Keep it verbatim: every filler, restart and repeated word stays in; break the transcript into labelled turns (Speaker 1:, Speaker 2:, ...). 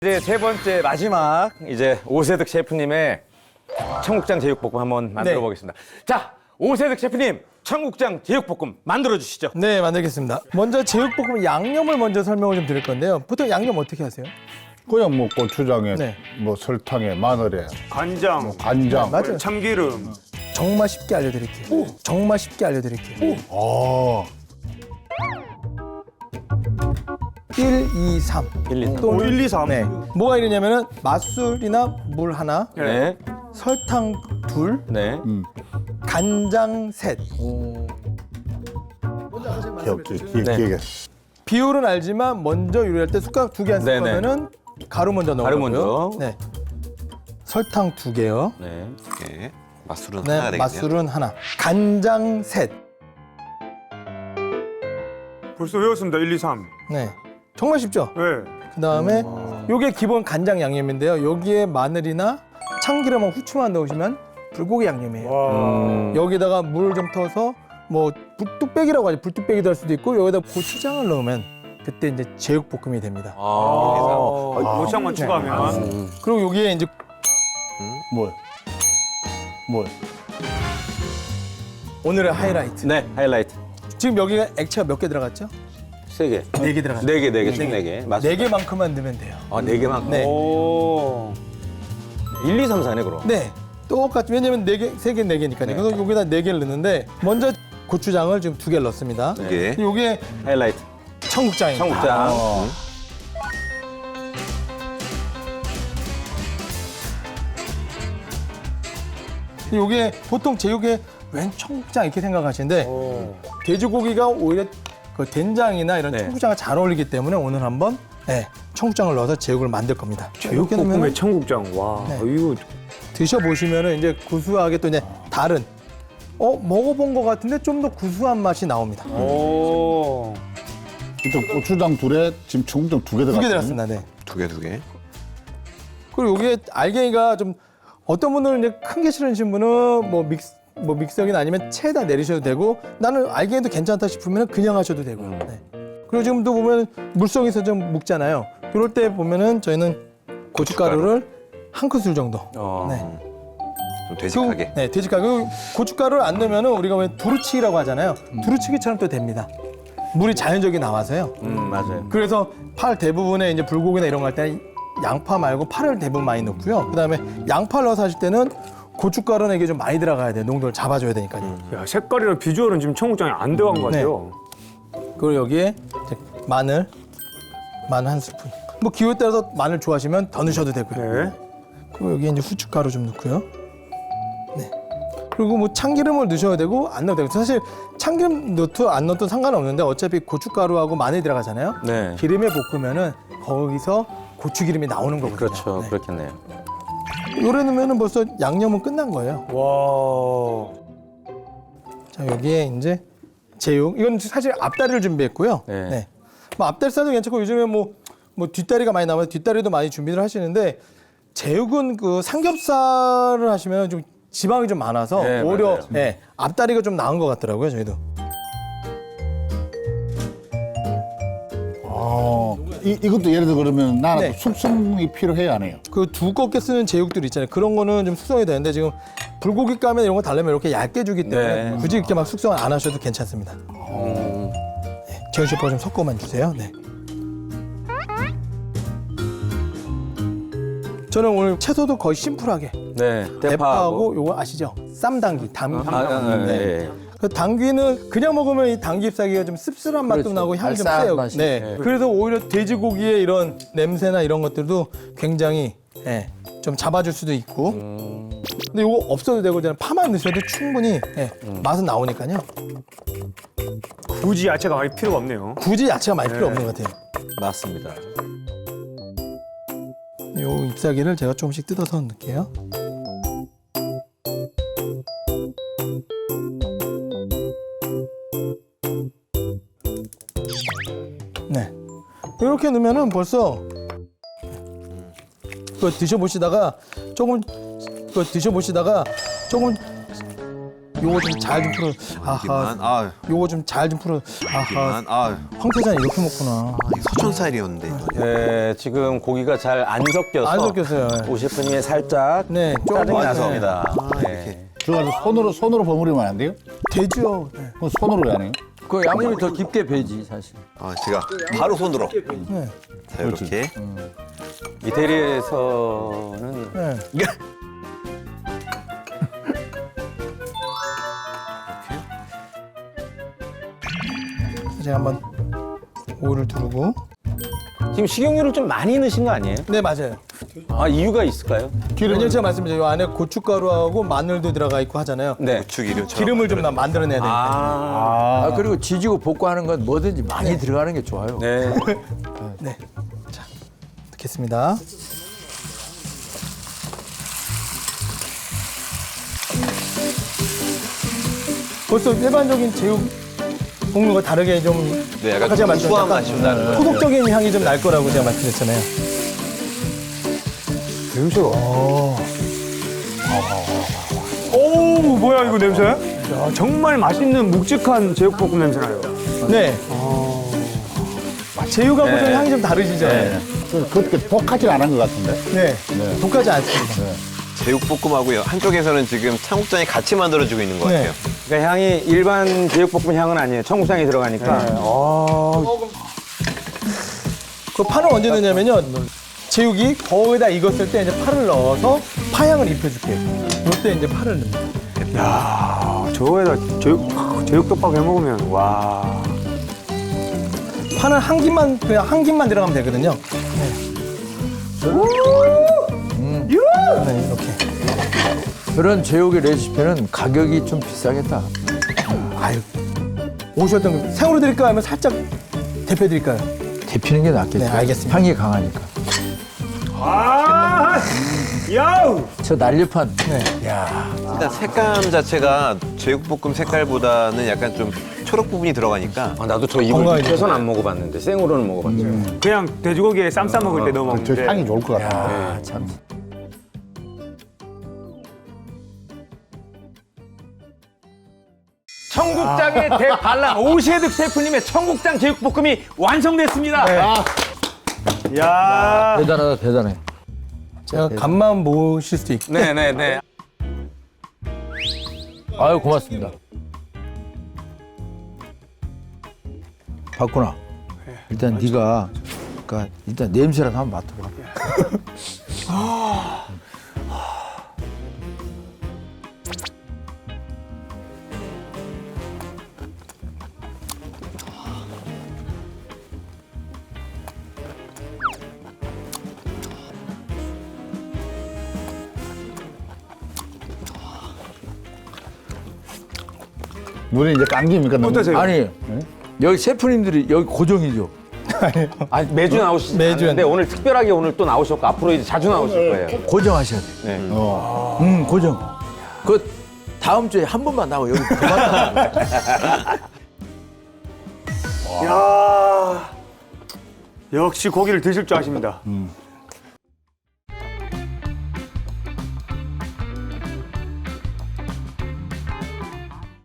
Speaker 1: 이제 세 번째 마지막 이제 오세득 셰프님의 청국장 제육볶음 한번 만들어
Speaker 2: 네.
Speaker 1: 보겠습니다. 자, 오세득 셰프님 청국장 제육볶음 만들어 주시죠.
Speaker 2: 네, 만들겠습니다. 먼저 제육볶음 양념을 먼저 설명을 좀 드릴 건데요. 보통 양념 어떻게 하세요?
Speaker 3: 그냥 뭐 고추장에,
Speaker 2: 네.
Speaker 3: 뭐 설탕에, 마늘에,
Speaker 4: 간장,
Speaker 3: 간장.
Speaker 2: 맞아요.
Speaker 4: 참기름.
Speaker 2: 정말 쉽게 알려드릴게요. 정말 쉽게 알려드릴게요.
Speaker 3: 아,
Speaker 2: 일, 이, 삼.
Speaker 1: 일, 이, 삼.
Speaker 2: 또
Speaker 4: 오, 일, 이, 삼.
Speaker 2: 네. 뭐가 이러냐면은 맛술이나 물 하나,
Speaker 1: 네,
Speaker 2: 설탕 둘,
Speaker 1: 네.
Speaker 2: 간장 셋.
Speaker 3: 기억지,
Speaker 1: 네.
Speaker 3: 기억에.
Speaker 2: 비율은 알지만 먼저 요리할 때 숟가락 두 개 안 쓸
Speaker 1: 네네.
Speaker 2: 거면은 가루 먼저 넣어요.
Speaker 1: 가루 먼저.
Speaker 2: 네. 설탕 두 개요.
Speaker 1: 네.
Speaker 5: 네. 맛술은
Speaker 2: 네,
Speaker 5: 하나 되겠네요.
Speaker 2: 맛술은 하나. 간장 셋.
Speaker 4: 벌써 외웠습니다. 일, 이, 삼.
Speaker 2: 네. 정말 쉽죠?
Speaker 4: 네.
Speaker 2: 그다음에 요게 기본 간장 양념인데요. 여기에 마늘이나 참기름하고 후추만 넣으시면 불고기 양념이에요.
Speaker 4: 와.
Speaker 1: 음,
Speaker 2: 여기다가 물 좀 터서 뭐 불뚝배기라고 하죠. 불뚝배기도 할 수도 있고 여기다 고추장을 넣으면 그때 이제 제육볶음이 됩니다.
Speaker 1: 아,
Speaker 4: 아, 고추장만
Speaker 2: 네.
Speaker 4: 추가하면.
Speaker 2: 그리고 여기에 이제
Speaker 3: 뭘? 뭘?
Speaker 2: 오늘의 하이라이트.
Speaker 1: 네, 하이라이트.
Speaker 2: 지금 여기가 액체가 몇 개 들어갔죠?
Speaker 1: 세 개.
Speaker 2: 네 개 들어갔죠.
Speaker 1: 네 개, 네 개, 총 네 개. 맞습니다.
Speaker 2: 네 개만큼만 넣으면 돼요.
Speaker 1: 아, 네 개만.
Speaker 2: 네.
Speaker 4: 오.
Speaker 1: 일, 이, 삼, 사네 그럼.
Speaker 2: 네. 똑같이 왜냐면 네 개, 세 개, 네 개니까요. 그래서 여기다 네 개를 넣는데 먼저 고추장을 지금 두 개를 넣습니다.
Speaker 5: 두 개.
Speaker 2: 요게
Speaker 1: 하이라이트.
Speaker 2: 청국장입니다.
Speaker 1: 청국장.
Speaker 3: 어.
Speaker 2: 요게 보통 제육에 웬 청국장 이렇게 생각하시는데
Speaker 4: 오.
Speaker 2: 돼지고기가 오히려 그 된장이나 이런
Speaker 1: 네.
Speaker 2: 청국장과 잘 어울리기 때문에 오늘 한번 네, 청국장을 넣어서 제육을 만들 겁니다. 이렇게
Speaker 4: 볶음에
Speaker 2: 넣으면
Speaker 4: 청국장. 와.
Speaker 2: 네.
Speaker 4: 이거
Speaker 2: 드셔보시면은 이제 구수하게 또 이제 다른 어 먹어본 것 같은데 좀 더 구수한 맛이 나옵니다.
Speaker 4: 오.
Speaker 3: 일단 고추장 둘에 지금 청국장 두 개
Speaker 2: 두
Speaker 3: 들어갔어요.
Speaker 2: 개 들었습니다. 네.
Speaker 5: 두 개, 두 개.
Speaker 2: 그리고 여기에 알갱이가 좀 어떤 분들은 이제 큰 게 싫으신 분은 뭐 믹스 뭐 믹서기나 아니면 체에다 내리셔도 되고 나는 알갱이도 괜찮다 싶으면 그냥 하셔도 되고. 네. 그리고 지금도 보면 물속에서 좀 묵잖아요. 이럴 때 보면은 저희는 고춧가루를 한 큰술 정도.
Speaker 1: 어.
Speaker 2: 네.
Speaker 5: 좀 되직하게.
Speaker 2: 네, 돼지가루. 그리고 고춧가루를 안 넣으면은 우리가 왜 두루치기라고 하잖아요. 두루치기처럼 또 됩니다. 물이 자연적이 나와서요.
Speaker 1: 음, 맞아요.
Speaker 2: 그래서 팔 대부분에 이제 불고기나 이런 거 할 때는 양파 말고 파를 대부분 많이 넣고요. 그다음에 양파를 넣어서 하실 때는 고춧가루는 이게 좀 많이 들어가야 돼요. 농도를 잡아줘야 되니까요.
Speaker 4: 야, 색깔이랑 비주얼은 지금 청국장이 안 들어간 것
Speaker 2: 네.
Speaker 4: 같아요.
Speaker 2: 그리고 여기에 이제 마늘, 마늘 한 스푼. 뭐 기호에 따라서 마늘 좋아하시면 더 넣으셔도 되고요.
Speaker 4: 네.
Speaker 2: 그리고 여기에 이제 후춧가루 좀 넣고요. 네. 그리고 뭐 참기름을 넣으셔도 되고 안 넣어도 되고 사실 참기름 넣든 안 넣든 상관없는데 어차피 고춧가루하고 마늘이 들어가잖아요.
Speaker 1: 네.
Speaker 2: 기름에 볶으면은 거기서 고추기름이 나오는 거거든요.
Speaker 1: 그렇죠.
Speaker 2: 네.
Speaker 1: 그렇겠네요.
Speaker 2: 요래 넣으면은 벌써 양념은 끝난 거예요.
Speaker 4: 와.
Speaker 2: 자 여기에 이제 제육. 이건 사실 앞다리를 준비했고요.
Speaker 1: 네.
Speaker 2: 뭐 앞다리살도 괜찮고 요즘에 뭐, 뭐 뒷다리가 많이 나와서 뒷다리도 많이 준비를 하시는데 제육은 그 삼겹살을 하시면 좀 지방이 좀 많아서
Speaker 1: 네,
Speaker 2: 오히려
Speaker 1: 맞아요.
Speaker 2: 네, 앞다리가 좀 나은 것 같더라고요 저희도.
Speaker 3: 아, 이, 이것도 예를 들어 그러면 나는
Speaker 2: 네.
Speaker 3: 숙성이 필요해야 안 해요.
Speaker 2: 그 두껍게 쓰는 제육들 있잖아요. 그런 거는 좀 숙성이 되는데 지금 불고기 까면 이런 거 달려면 이렇게 얇게 주기 때문에
Speaker 1: 네.
Speaker 2: 굳이 이렇게 막 숙성을 안 하셔도 괜찮습니다. 네, 재현 셰프가 좀 섞어만 주세요. 네. 저는 오늘 채소도 거의 심플하게
Speaker 1: 네.
Speaker 2: 대파하고 요거 아시죠? 쌈당귀, 담.
Speaker 1: 아, 아,
Speaker 2: 네.
Speaker 1: 네.
Speaker 2: 그 당귀는 그냥 먹으면 이 당귀 잎사귀가 좀 씁쓸한 맛도
Speaker 1: 그렇죠.
Speaker 2: 나고 향이 좀
Speaker 1: 알싸한
Speaker 2: 세요.
Speaker 1: 맛이.
Speaker 2: 네.
Speaker 1: 네.
Speaker 2: 그래서 오히려 돼지고기의 이런 냄새나 이런 것들도 굉장히 예, 좀 잡아줄 수도 있고.
Speaker 1: 음.
Speaker 2: 근데 이거 없어도 되고 그냥 파만 넣으셔도 충분히 예, 맛은 나오니까요.
Speaker 4: 굳이 야채가 많이 필요가 없네요.
Speaker 2: 굳이 야채가 많이 필요
Speaker 4: 네.
Speaker 2: 없는 것 같아요.
Speaker 1: 맞습니다.
Speaker 2: 이 잎사귀를 제가 조금씩 뜯어서 넣을게요. 네. 이렇게 넣으면은 벌써 그거 드셔보시다가 조금 그거 드셔보시다가 조금 요거 좀 잘 좀 풀어. 아하.
Speaker 5: 여기만. 아,
Speaker 2: 요거 좀 잘 좀 풀어. 아하.
Speaker 5: 여기만. 아,
Speaker 2: 황태자는 이렇게 먹구나.
Speaker 5: 이게 서촌 스타일이었는데. 이거.
Speaker 1: 네, 지금 고기가 잘 안 섞여서
Speaker 2: 안 섞였어요.
Speaker 1: 오 셰프님의 살짝
Speaker 2: 네, 좀
Speaker 1: 짜증이
Speaker 2: 맞아요.
Speaker 1: 나섭니다.
Speaker 5: 아,
Speaker 1: 네.
Speaker 5: 이렇게.
Speaker 3: 들어가서 손으로 손으로 버무리면 안 돼요?
Speaker 2: 되죠. 네.
Speaker 3: 그럼 손으로 왜 안 해요?
Speaker 6: 그 양념이 더 깊게 배지 사실.
Speaker 5: 아, 제가 바로 손으로.
Speaker 2: 네.
Speaker 5: 자, 이렇게.
Speaker 1: 이태리에서는
Speaker 2: 네. 이제 한번 오일을 두르고.
Speaker 1: 지금 식용유를 좀 많이 넣으신 거 아니에요?
Speaker 2: 네, 맞아요.
Speaker 1: 아, 이유가 있을까요?
Speaker 2: 왜냐면 제가 말씀드린 이 안에 고춧가루하고 마늘도 들어가 있고 하잖아요.
Speaker 1: 네.
Speaker 5: 고추기름처럼.
Speaker 2: 기름을 좀 나- 만들어내야 되니까.
Speaker 1: 아,
Speaker 6: 아, 그리고 지지고 볶고 하는 건 뭐든지 많이 들어가는 게 좋아요.
Speaker 1: 네.
Speaker 2: 네. 자, 넣겠습니다. 벌써 일반적인 제육 볶는 거 다르게 좀
Speaker 5: 네, 약간
Speaker 2: 아까 제가
Speaker 5: 구수한
Speaker 2: 말씀드린
Speaker 5: 맛이 좀 나는 것
Speaker 2: 토독적인 향이 좀 날 거라고 제가 말씀드렸잖아요.
Speaker 4: 냄새가. 오, 뭐야 이거 냄새? 야, 정말 맛있는 묵직한 제육볶음 냄새 나요.
Speaker 2: 네. 제육하고 좀
Speaker 1: 네.
Speaker 2: 향이 좀 다르시죠? 네.
Speaker 3: 그- 그렇게 독하진 않은 것 같은데.
Speaker 2: 네. 독하지 않습니다.
Speaker 5: 제육볶음하고요. 한쪽에서는 지금 청국장이 같이 만들어지고 있는 것
Speaker 2: 네.
Speaker 5: 같아요.
Speaker 1: 그러니까 향이 일반 제육볶음 향은 아니에요. 청국장이 들어가니까.
Speaker 4: 아,
Speaker 2: 그 파는 언제 넣냐면요. 제육이 거기다 익었을 때 이제 파를 넣어서 파향을 입혀줄게요. 이때 이제 파를 넣습니다.
Speaker 4: 야, 저거에다 제육 제육덮밥 해 먹으면 와.
Speaker 2: 파는 한 김만 그냥 한 김만 들어가면 되거든요. 네. 음. 네, 이렇게.
Speaker 6: 그런 제육의 레시피는 가격이 좀 비싸겠다.
Speaker 2: 아유, 오셨던 거 생으로 드릴까요? 아니면 살짝 데펴 드릴까요?
Speaker 6: 데피는 게 낫겠죠.
Speaker 2: 네, 알겠습니다.
Speaker 6: 향이 강하니까.
Speaker 4: 아, 야우.
Speaker 6: 저 날렵한.
Speaker 2: 네.
Speaker 6: 야,
Speaker 5: 일단 색감 자체가 제육볶음 색깔보다는 약간 좀 초록 부분이 들어가니까
Speaker 1: 아, 나도 저 이걸
Speaker 2: 건강해지죠.
Speaker 1: 익혀서는 안 먹어봤는데 생으로는 먹어봤죠.
Speaker 4: 그냥 돼지고기에 쌈 싸 먹을 때 넣어
Speaker 3: 저
Speaker 4: 먹는데.
Speaker 3: 향이 좋을 것 같아요.
Speaker 6: 아, 참.
Speaker 1: 청국장의 대반란 오셰득 셰프님의 청국장 제육볶음이 완성됐습니다.
Speaker 4: 야.
Speaker 6: 대단하다, 대단해.
Speaker 2: 제가 간만 모실 수도 있고.
Speaker 1: 네, 네, 네.
Speaker 6: 아유, 고맙습니다. 박구나. 일단 네가 그러니까 일단 냄새라도 한번 맡아봐.
Speaker 3: 눈이 이제 감깁니까? 너무?
Speaker 4: 어떠세요?
Speaker 6: 아니 여기 셰프님들이 여기 고정이죠.
Speaker 1: 아니, 매주 나오시지
Speaker 2: 매주.
Speaker 1: 않는데 오늘 특별하게 오늘 또 나오셨고 앞으로 이제 자주 나오실 거예요.
Speaker 6: 고정하셔야 돼.
Speaker 1: 네.
Speaker 3: 어.
Speaker 6: 음, 고정. 그 다음 주에 한 번만 나와 여기 그만 나와.
Speaker 4: 야. 역시 고기를 드실 줄 아십니다.